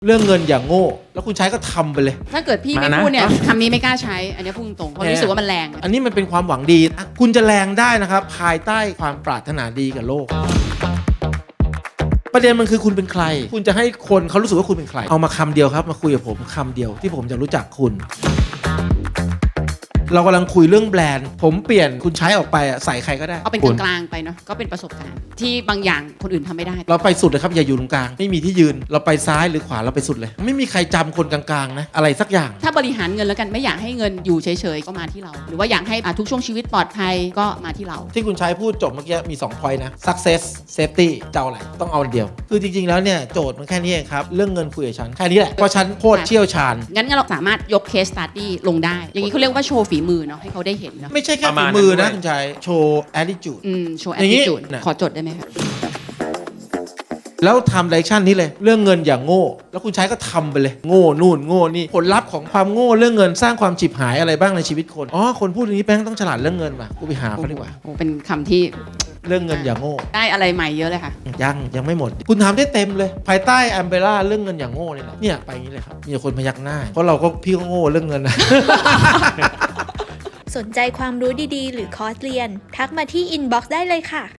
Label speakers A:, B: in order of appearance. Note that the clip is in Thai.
A: เรื่องเงินอย่างโง่แล้วคุณใช้ก็ทำไปเลย
B: ถ้าเกิดพี่ไม่พูดเนี่ยคำนี้ไม่กล้าใช้อันนี้พูดตรงเพราะรู้สึกว่ามันแรง
A: อันนี้มันเป็นความหวังดีนะคุณจะแรงได้นะครับภายใต้ความปรารถนาดีกับโลก ประเด็นมันคือคุณเป็นใครคุณจะให้คนเขารู้สึกว่าคุณเป็นใครเอามาคำเดียวครับมาคุยกับผมคำเดียวที่ผมจะรู้จักคุณเรากำลังคุยเรื่องแบรนด์ผมเปลี่ยนคุณใช้ออกไปใส่ใครก็ได้
B: เอาเป็นกลางๆไปเนาะก็เป็นประสบการณ์ที่บางอย่างคนอื่นทำไม่ได้
A: เราไปสุดเลยครับอย่าอยู่ตรงกลางไม่มีที่ยืนเราไปซ้ายหรือขวาเราไปสุดเลยไม่มีใครจำคนกลางๆนะอะไรสักอย่าง
B: ถ้าบริหารเงินแล้วกันไม่อยากให้เงินอยู่เฉยๆก็มาที่เราหรือว่าอยากให้ทุกช่วงชีวิตปลอดภัยก็มาที่เรา
A: ที่คุณใช้พูดจบเมื่อกี้มี2 point นะ success safety จะเอาอะไรต้องเอาอันเดียวคือจริงๆแล้วเนี่ยโจทย์มันแค่นี้เองครับเรื่องเงินคุยกับฉันแค่นี้แหละเพราะฉันโคตรเชี่ยวชาญ
B: งั้นเราสามารถยก case study ลงได้อย่างนี้เขาเรียกว่าโชว์ฝีมือเนาะให้เขาได้เห็นเนาะ
A: ไม่ใช่แค่ฝีมือนะคุณชายโชว์ attitude
B: โชว์
A: อย่างนี้
B: attitude
A: นะ
B: ขอจดได้ไหมคะ
A: แล้วทำ direction นี้เลยเรื่องเงินอย่างโง่แล้วคุณใช้ก็ทำไปเลยโง่นู่นโง่นี่ผลลัพธ์ของความโง่เรื่องเงินสร้างความฉิบหายอะไรบ้างในชีวิตคนคนพูดอย่างนี้แป้งต้องฉลาดเรื่องเงินว่ะกูไปหาเขาดีกว่า
B: โอ้เป็นคำที่
A: เรื่องเงินอย่างโง่
B: ได้อะไรใหม่เยอะเลยค่ะ
A: ยังไม่หมดคุณทำได้เต็มเลยภายใต้อัมเบร่าเรื่องเงินอย่างโง่นี่แหละเนี่ยไปอย่างนี้เลยครับมีคนพยักหน้าเพราะเราก็พี่ก็โง่เรื่องเงินนะ
C: สนใจความรู้ดีๆ หรือคอร์สเรียน ทักมาที่อินบ็อกซ์ได้เลยค่ะ